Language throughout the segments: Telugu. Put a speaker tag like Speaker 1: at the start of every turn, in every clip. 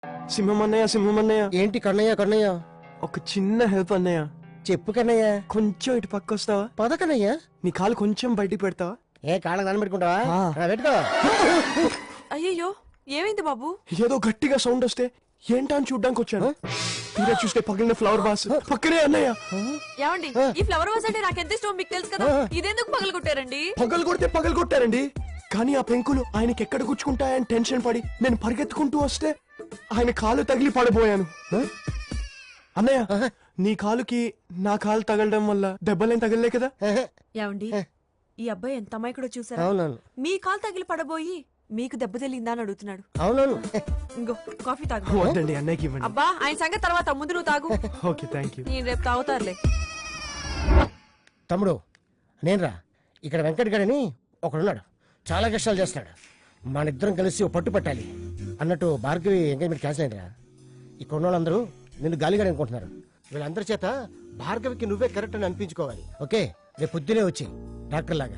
Speaker 1: సింహమన్నయ్య
Speaker 2: ఏంటి కన్నయ్య కన్నయ్య?
Speaker 1: ఒక చిన్న హెల్ప్ అన్నయ్య.
Speaker 2: చెప్పు కన్నయ్య.
Speaker 1: కొంచెం ఇటు పక్క వస్తావా?
Speaker 2: పద కన్నయ్య.
Speaker 1: నీ కాలు కొంచెం బయటికి పెడతావా?
Speaker 2: ఏ కాళ్ళకి దాన్ని పెట్టుకుంటావా? పెట్టుకో.
Speaker 3: అయ్యో ఏమైంది బాబు?
Speaker 1: ఏదో గట్టిగా సౌండ్ వస్తే ఏంటా అని చూడ్డానికి వచ్చాను. తీరా చూస్తే పగిలిన ఫ్లవర్ వాస్ పక్కనే అన్నయ్య.
Speaker 3: ఏమండి ఈ ఫ్లవర్ వాస్ అంటే నాకెంత ఇష్టం మీకు తెలుసు కదా, ఇదెందుకు పగలు కొట్టారండి?
Speaker 1: పగలు కొట్టారండి, కానీ ఆ పెంకులు ఆయనకి ఎక్కడ గుచ్చుకుంటాయని టెన్షన్ పడి నేను పరిగెత్తుకుంటూ వస్తే ఆయన కాలు తగిలి పడిపోయాను. అన్నయ్య నీ కాలుకి నా కాలు తగలడం వల్ల దెబ్బలేం తగలలే కదా?
Speaker 3: ఏమండి ఈ అబ్బాయి ఎంత అమాయకుడో చూసారా?
Speaker 2: అవునవును.
Speaker 3: మీ కాలు తగిలి పడబోయి మీకు దెబ్బ తెలిందా అని అడుగుతున్నాడు.
Speaker 2: అవునవును.
Speaker 3: ఇంకో కాఫీ తాగు.
Speaker 1: వద్దండి అన్నయ్యకి ఇవ్వండి.
Speaker 3: అబ్బా ఆయన సంగతి తర్వాత, ముందు నువ్వు తాగు.
Speaker 1: Okay thank you.
Speaker 3: నేను రేపు తాగుతారులే.
Speaker 2: తమ్ముడు నేనురా. ఇక్కడ వెంకట్ గడని ఒకడున్నాడు, చాలా కష్టాలు చేస్తాడు. మన ఇద్దరం కలిసి ఓ పట్టు పట్టాలి అన్నట్టు భార్గవి ఎంగేజ్మెంట్ క్యాన్సిల్ అయిందిరా. ఇక్కడ ఉన్న వాళ్ళందరూ నిన్ను గాలిగానే అనుకుంటున్నారు. వీళ్ళందరి చేత భార్గవికి నువ్వే కరెక్ట్ అని అనిపించుకోవాలి. ఓకే రేపు పొద్దునే వచ్చి డాక్టర్ లాగా.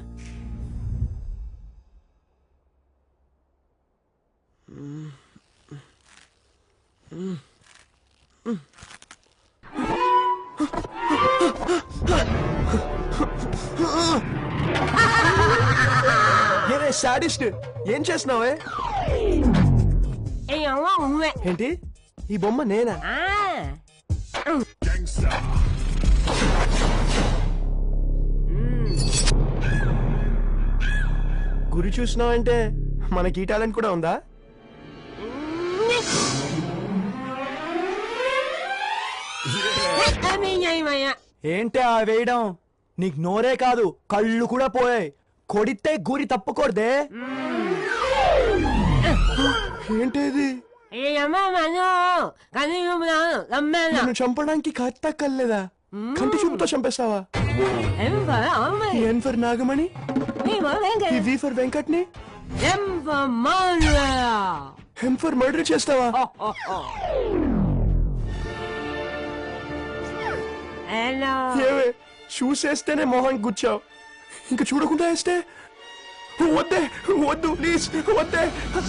Speaker 1: సాడిస్ట్ ఏం చేస్తున్నావే? ఏంటి ఈ బొమ్మ నేనా? గురి చూసినావంటే మనకి ఈ టాలెంట్ కూడా ఉందా? ఏంటి ఆ వేయడం? నీకు నోరే కాదు కళ్ళు కూడా పోయాయి. కొడితే గురి తప్పకూడదే. ఏంటిది? నన్ను చంపడానికి కత్త కల్లేదా? కంటి చూపుతో చంపేస్తావా? N for Nagamani, V for వెంకట్ని, ఎం ఫర్ మర్డర్ చేస్తావా? ఏవే చూసేస్తేనే మొహం గుచ్చావు, ఇంకా చూడకుండా వేస్తే? వద్దే వద్దు ప్లీజ్ వద్దే.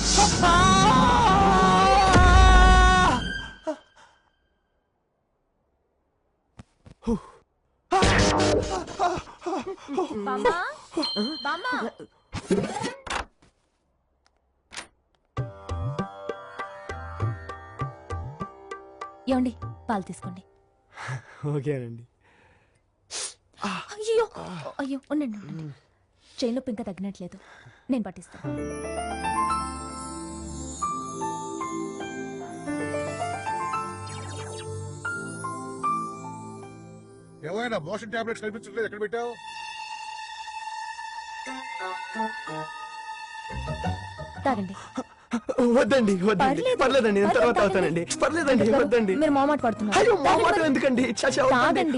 Speaker 4: ఏమండి పాలు తీసుకోండి.
Speaker 1: ఓకేనండి.
Speaker 4: అయ్యో అయ్యో ఉండండి ఉండండి, చైన్ నొప్పి ఇంకా తగ్గినట్లేదు, నేను పట్టిస్తాను.
Speaker 5: ఏమైనా మోషన్ టాబ్లెట్స్ కనిపించట్లేదు, ఎక్కడ పెట్టావు?
Speaker 4: తాగండి.
Speaker 1: వద్దండి వద్దండి పర్లేదండి, నేను తర్వాత అవుతానండి. పర్లేదండి వద్దండి.
Speaker 4: మీరు మొహమాట పడుతున్నారు.
Speaker 1: అయ్యో మొహమాట ఎందుకండి?
Speaker 4: తాగండి.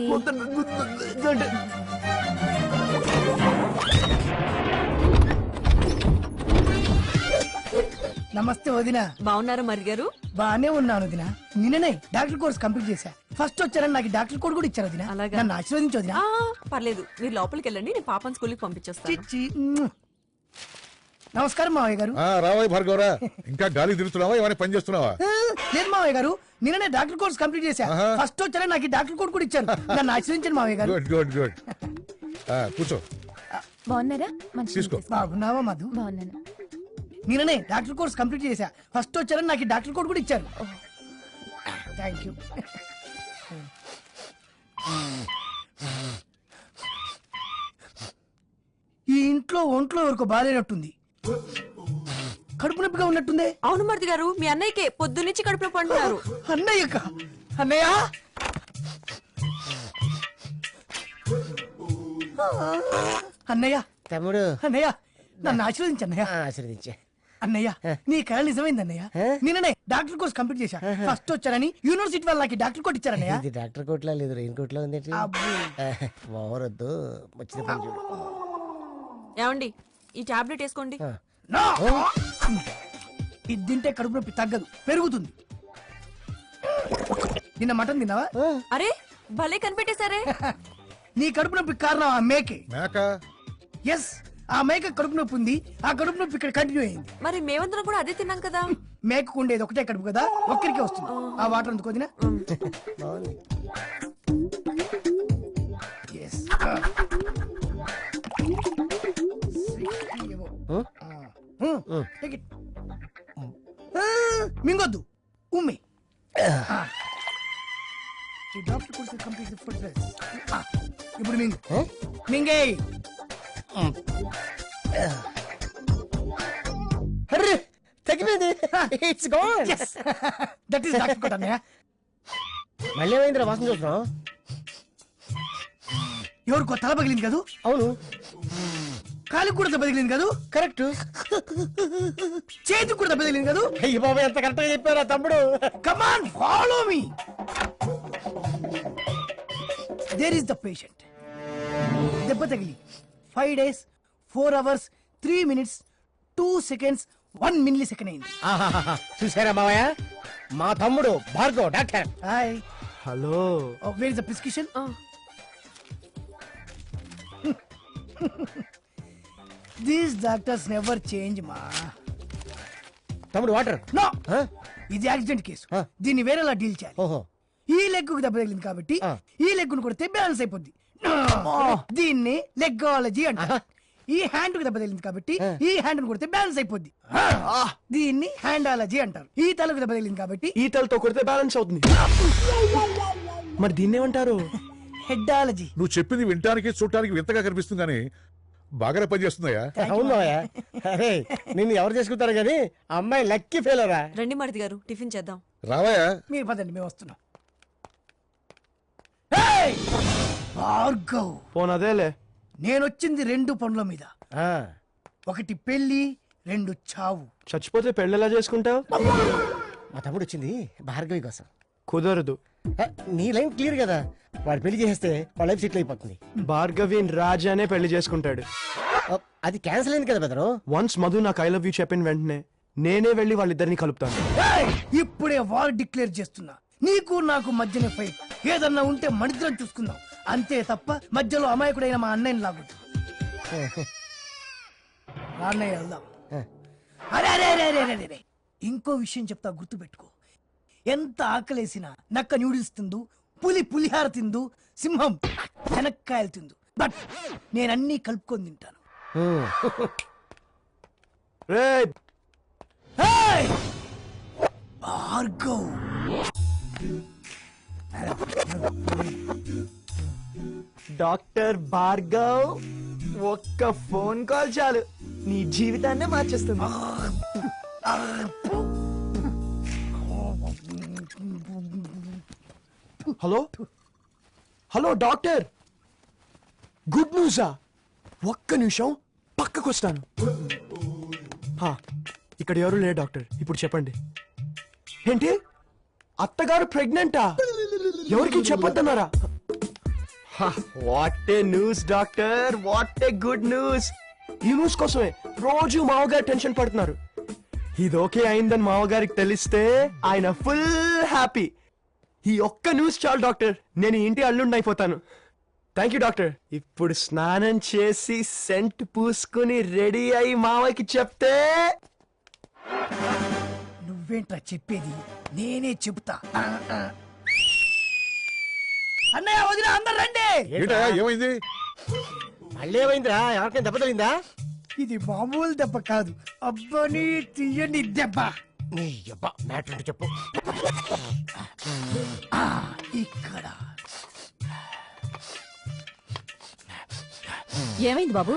Speaker 6: నమస్తే వదినా.
Speaker 3: బాగున్నారా మరి గారు?
Speaker 6: బానే ఉన్నాను వదినా. నిన్ననే డాక్టర్ కోర్స్ కంప్లీట్ చేశా. ఫస్ట్ వచ్చారని నాకు డాక్టర్ కోడ్ కూడా ఇచ్చారు వదినా.
Speaker 3: అలాగా?
Speaker 6: నన్ను ఆశీర్వదించు వదినా.
Speaker 3: పర్లేదు మీరు లోపలికి వెళ్ళండి, నేను పాపని స్కూల్కి పంపించేస్తాను.
Speaker 6: చిచ్చి. నమస్కారం మావయ్య గారు.
Speaker 5: రావయ్య భార్గవరా, ఇంకా గాలి తిరుగుతున్నావా, ఏమైనా పని చేస్తున్నావా?
Speaker 6: లేదు మావయ్య గారు, నిన్ననే డాక్టర్ కోర్స్ కంప్లీట్ చేశా. ఫస్ట్ వచ్చారని నాకు డాక్టర్ కోడ్ కూడా ఇచ్చారు. నన్ను ఆశీర్వదించండి మావయ్య గారు.
Speaker 5: Good good good. కూర్చో.
Speaker 4: బాగున్నారా?
Speaker 5: తీసుకో.
Speaker 6: బాగున్నావా మధు?
Speaker 4: బాగున్నాను.
Speaker 6: నిన్ననే డాక్టర్ కోర్స్ కంప్లీట్ చేశా. ఫస్ట్ వచ్చారని నాకు డాక్టర్ కోడ్ కూడా ఇచ్చారు. Thank you. ఈ ఇంట్లో ఒంట్లో ఎవరికో బాగాలేనట్టుంది, కడుపు నొప్పిగా ఉన్నట్టుందే.
Speaker 3: అవును మరిది గారు, మీ అన్నయ్యకే పొద్దున్నుంచి కడుపు నొప్పి అంటున్నారు.
Speaker 6: అన్నయ్యక? అన్నయ్య అన్నయ్య
Speaker 2: తమ్ముడు
Speaker 6: అన్నయ్య నన్ను ఆశీర్వదించు అన్నయ్య.
Speaker 2: ఆశీర్వదించే.
Speaker 6: అన్నయ్య నీ కళ నిజమైంది అన్నయ్య. నిన్ననే డాక్టర్ కోర్స్ కంప్లీట్ చేశా. ఫస్ట్ వచ్చారని యూనివర్సిటీ వాళ్ళు నాకు డాక్టర్ కోట్ ఇచ్చారన్నయ్య.
Speaker 2: ఇది డాక్టర్ కోట్లా లేదు, రెయిన్ కోట్లా ఉంది. ఓవరొద్దు, వచ్చిన పని చూడు.
Speaker 3: ఏమండి ఈ టాబ్లెట్ వేసుకోండి.
Speaker 6: ఇది తింటే కడుపు నొప్పి తగ్గదు, పెరుగుతుంది. నిన్న మటన్ తిన్నావా?
Speaker 3: అరే భలే కనిపెట్టేశారే.
Speaker 6: నీ కడుపు నొప్పి కారణం ఆ మేకే.
Speaker 5: మేక?
Speaker 6: ఎస్, ఆ మేక కడుపు నొప్పి ఉంది, ఆ కడుపు నొప్పి ఇక్కడ కంటిన్యూ అయింది.
Speaker 3: మరి మేమందరం కూడా అదే తిన్నాం కదా.
Speaker 6: మేకకు ఉండేది ఒకటే కడుపు కదా, ఒక్కరికే వస్తుంది. ఆ వాటర్ అందుకు వదినా. Yes. Take it. మింగొద్దు, ఉమ్మి. ఈ డాక్టర్ కోసం కంప్లీట్ ఫుడ్ డ్రెస్. ఇప్పుడు మింగు, మింగే.
Speaker 2: అర్రే తగ్గిపోయింది. It's gone.
Speaker 6: That is doctor కోట అన్నయ్య.
Speaker 2: మళ్ళీ ఏమైందిరా వాసన చూస్తున్నావు?
Speaker 6: ఎవరికో తల పగిలింది కదూ?
Speaker 2: అవును,
Speaker 6: కాలికి కూడా దెబ్బ తగిలింది కదూ?
Speaker 2: కరెక్ట్.
Speaker 6: చేతికి కూడా దెబ్బ తగిలింది కదూ?
Speaker 2: అయ్యి బాబా, ఎంత కరెక్ట్ గా చెప్పారా తమ్ముడు.
Speaker 6: Come on, follow me. There is the patient. దెబ్బ తగిలి 5 days 4 hours 3 minutes 2 seconds 1 millisecond అయింది.
Speaker 2: చూసారా మావయ్య, మా తమ్ముడు Bhargav doctor.
Speaker 6: Hi.
Speaker 1: Hello.
Speaker 6: Where is the prescription? These doctors never change మా.
Speaker 2: తమ్ముడు వాటర్.
Speaker 6: నో, ఇది యాక్సిడెంట్ కేసు. దీన్ని వేరేలా డీల్ చేయాలి.
Speaker 2: ఓహో,
Speaker 6: ఈ లెగ్ కు దెబ్బ తగిలింది కాబట్టి
Speaker 2: ఆ.
Speaker 6: ఈ లెగ్ ను కొడితే బ్యాలెన్స్ అయిపోద్ది. దీన్ని లెగ్గాలజీ అంటారు. ఈ హ్యాండ్ కు దెబ్బ తగిలింది కాబట్టి ఈ హ్యాండ్ ను కొడితే బ్యాలెన్స్ అయిపోద్ది. దీన్ని హ్యాండాలజీ అంటారు. ఈ తలకు దెబ్బ తగిలింది కాబట్టి
Speaker 1: ఈ తలతో కొడితే బ్యాలెన్స్ అవుతుంది. మరి దీన్ని ఏమంటారు?
Speaker 6: హెడ్డాలజీ.
Speaker 5: నువ్వు చెప్పింది వినటానికి చూడటానికి వింతగా కనిపిస్తుంది కానీ బాగానే పనిచేస్తుందయ్యా.
Speaker 2: అవును మావయ్య. అరే నిన్ను ఎవరు చేసుకుంటారు కానీ అమ్మాయి లక్కీ ఫెయిలరా.
Speaker 3: రండి మారుతి గారు, టిఫిన్ చేద్దాం.
Speaker 5: రావయ్యా.
Speaker 6: మీరు పదండి, మేము వస్తున్నాం. Hey! భార్గవ్,
Speaker 1: పోన్ అదేలే.
Speaker 6: నేనొచ్చింది 2 పనుల మీద.
Speaker 2: ఆ,
Speaker 6: ఒకటి పెళ్లి, 2 చావు.
Speaker 1: చచ్చిపోతే పెళ్ళెలా చేసుకుంటావు?
Speaker 2: మా తమ్ముడు వచ్చింది భార్గవి కోసం.
Speaker 1: కుదరదు.
Speaker 2: నీ లైన్ క్లియర్ కదా, వాడు పెళ్లి చేస్తే వాళ్ళ లైఫ్ సెటిల్ అయిపోతుంది.
Speaker 1: భార్గవిన్ రాజానే పెళ్లి చేసుకుంటాడు.
Speaker 2: అది క్యాన్సిల్ అయింది కదా బెదరు.
Speaker 1: వన్స్ మధు నాకు ఐ లవ్ యూ చెప్పిన వెంటనే నేనే వెళ్ళి వాళ్ళిద్దరిని కలుపుతాను.
Speaker 6: Hey! ఇప్పుడే వార్ డిక్లేర్ చేస్తున్నా. నీకు నాకు మధ్యనే ఫైట్. ఏదన్నా ఉంటే మనిద్దరం చూసుకుందాం, అంతే తప్ప మధ్యలో అమాయకుడైన మా అన్నయ్యని లాగొద్దు. అన్నయ్య వెళ్దాం. అరే అరే అరే అరే అరే అరే. ఇంకో విషయం చెప్తా, గుర్తు పెట్టుకో. ఎంత ఆకలేసినా నక్క న్యూడిల్స్ తిందు, పులి పులిహార తిందు, సింహం శనక్కాయలు తిందు. బట్ నేనన్నీ కలుపుకొని తింటాను.
Speaker 1: రేయ్,
Speaker 6: Hey! భార్గవ్,
Speaker 1: డాక్టర్ భార్గవ్, ఒక్క ఫోన్ కాల్ చాలు నీ జీవితాన్నే మార్చేస్తుంది. హలో హలో డాక్టర్, గుడ్ న్యూసా? ఒక్క నిమిషం పక్కకు వస్తాను. ఇక్కడ ఎవరు లేరు డాక్టర్, ఇప్పుడు చెప్పండి. ఏంటి, అత్తగారు ప్రెగ్నెంటా? ఎవరికి చెప్పొద్దన్నారా? What a news doctor, what a good news. ఈ న్యూస్ కోసమే రోజు మావగారు టెన్షన్ పడుతున్నారు. ఇది ఓకే అయిందని మావగారికి తెలిస్తే ఆయన ఫుల్ హ్యాపీ. ఈ ఒక్క న్యూస్ చాలు డాక్టర్, నేను ఈ ఇంటి అల్లుండి అయిపోతాను. Thank you doctor. ఇప్పుడు స్నానం చేసి సెంట్ పూసుకుని రెడీ అయి మావకి చెప్తే.
Speaker 6: నువ్వేంట్రా చెప్పేది, నేనే చెబుతా. అన్నయ్య, వదిన, అందరు రండి.
Speaker 5: ఏంటయ్యా ఏమైంది?
Speaker 2: మళ్ళీ ఏమైందిరా? ఎవరికైనా దెబ్బ తగిలిందా?
Speaker 6: ఇది మామూలు దెబ్బ కాదు, అబ్బని తీయని దెబ్బ.
Speaker 2: నీ అబ్బా మ్యాటర్ అంటే చెప్పు.
Speaker 6: ఇక్కడ
Speaker 3: ఏమైంది బాబు?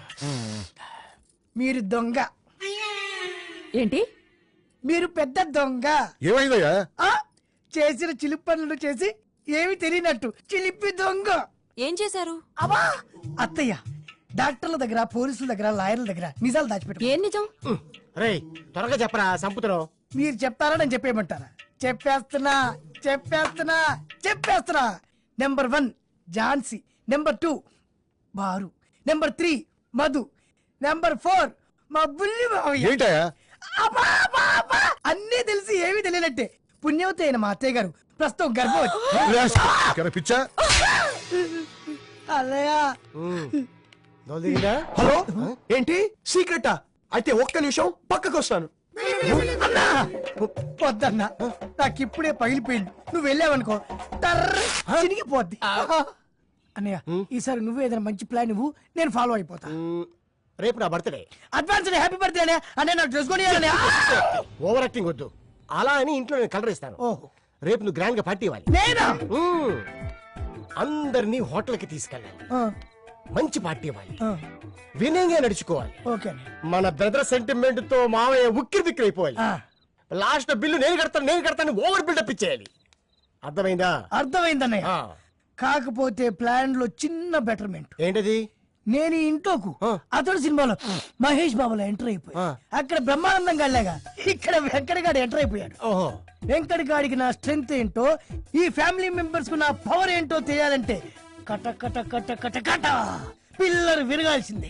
Speaker 6: మీరు దొంగ.
Speaker 3: ఏంటి?
Speaker 6: మీరు పెద్ద దొంగ.
Speaker 5: ఏమైందయ్యా?
Speaker 6: ఆ చేసిన చిలిపి పనులు చేసి ఏమి తెలియనట్టు చిలిపి దొంగ.
Speaker 3: ఏం చేశారు?
Speaker 6: అబ్బా, అత్తయ్య, డాక్టర్ల దగ్గర, పోలీసుల దగ్గర, లాయర్ల దగ్గర నిజాలు దాచిపెట్టు.
Speaker 3: ఏం నిజం?
Speaker 2: రే త్వరగా చెప్పరా, సంపుతున్నావు.
Speaker 6: మీరు చెప్తారా, నేను చెప్పేయమంటారా? చెప్పేస్తున్నా చెప్పేస్తున్నా చెప్పేస్తున్నా. నెంబర్ 1 ఝాన్సీ, నెంబర్ 2 బారు, నెంబర్ 3 మధు, నెంబర్ 4 మా బుల్లి మావయ్య.
Speaker 5: ఏంటయ్యా?
Speaker 6: అబ్బా, అబ్బా, అబ్బా, అన్నీ తెలిసి ఏమీ తెలియనట్టే. పుణ్యవతి అయిన మా అత్తయ్య గారు ప్రస్తుతం గర్భవతి.
Speaker 5: పిచ్చా?
Speaker 6: అన్నయ్య,
Speaker 2: దొల్దిగిందా?
Speaker 1: హలో ఏంటి సీక్రెటా? అయితే ఒక్క నిమిషం పక్కకు వస్తాను.
Speaker 6: అన్నా వద్దన్నా, నాకు ఇప్పుడే పగిలిపోయింది. నువ్వు వెళ్ళావనుకో టర్ర్ చినిగిపోద్ది. అన్నయ్య ఈసారి నువ్వు ఏదైనా మంచి ప్లాన్ ఇవ్వు, నేను ఫాలో అయిపోతా.
Speaker 2: రేపు నా బర్త్డే.
Speaker 6: అడ్వాన్స్ హ్యాపీ బర్త్డే అనే అనే నాకు డ్రెస్ కొని
Speaker 2: ఓవర్ యాక్టింగ్ వద్దు. అలా అని ఇంట్లో నేను కలర్ ఇస్తాను.
Speaker 6: ఓహో
Speaker 2: రేపు నువ్వు గ్రాండ్ గా పార్టీ ఇవ్వాలి.
Speaker 6: నేనా?
Speaker 2: మ్మ్. అందరినీ హోటల్ కి తీసుకెళ్ళాలి.
Speaker 6: ఆ,
Speaker 2: మంచి పార్టీ ఇవ్వాలి.
Speaker 6: ఆ,
Speaker 2: వినయంగా నడుచుకోవాలి.
Speaker 6: ఓకే అన్నయ్య.
Speaker 2: మన బ్రదర్ సెంటిమెంట్ తో మావయ్య ఉక్కిరి బిక్కిరి అయిపోవాలి.
Speaker 6: ఆ,
Speaker 2: లాస్ట్ బిల్లు నేను కడతాను ఓవర్ బిల్డప్ ఇచ్చేయాలి. అర్థమైందా?
Speaker 6: అర్థమైందన్నయ్య.
Speaker 2: ఆ.
Speaker 6: కాకపోతే ప్లాన్ లో చిన్న బెటర్మెంట్.
Speaker 2: ఏంటది?
Speaker 6: నేను ఈ ఇంట్లోకు
Speaker 2: ఆ.
Speaker 6: అతడు సినిమాలో మహేష్ బాబులో ఎంటర్ అయిపోయి
Speaker 2: ఆ.
Speaker 6: అక్కడ బ్రహ్మానందం గాడిలాగా ఇక్కడ వెంకటగాడు ఎంటర్ అయిపోయాడు.
Speaker 2: ఓహో,
Speaker 6: వెంకటగాడికి నా స్ట్రెంగ్త్ ఏంటో, ఈ ఫ్యామిలీ మెంబర్స్ కు నా పవర్ ఏంటో తెలియాలంటే కట కట కట కట కట పిల్లలు విరగాల్సిందే.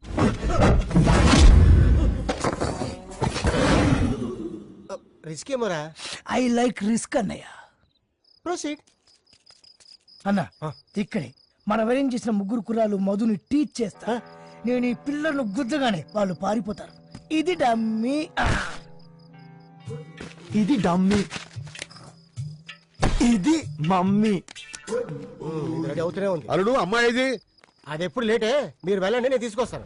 Speaker 2: రిస్క్ ఏమోరా.
Speaker 6: ఐ లైక్ రిస్క్ అన్నయ్య.
Speaker 2: ప్రొసీడ్.
Speaker 6: అన్న ఇక్కడే మనం అరేంజ్ చేసిన ముగ్గురు కుర్రాలు మధుని టీచ్ చేస్తా. నేను ఈ పిల్లలను గుద్దగానే వాళ్ళు పారిపోతారు. ఇది డమ్మీ.
Speaker 1: ఇది డమ్మీ, ఇది మమ్మీ.
Speaker 2: రెడీ అవుతూనే ఉంది.
Speaker 5: అల్లుడు అమ్మాయి ఇది
Speaker 2: అది ఎప్పుడు లేటే, మీరు వెళ్ళండి, నేను తీసుకొస్తాను.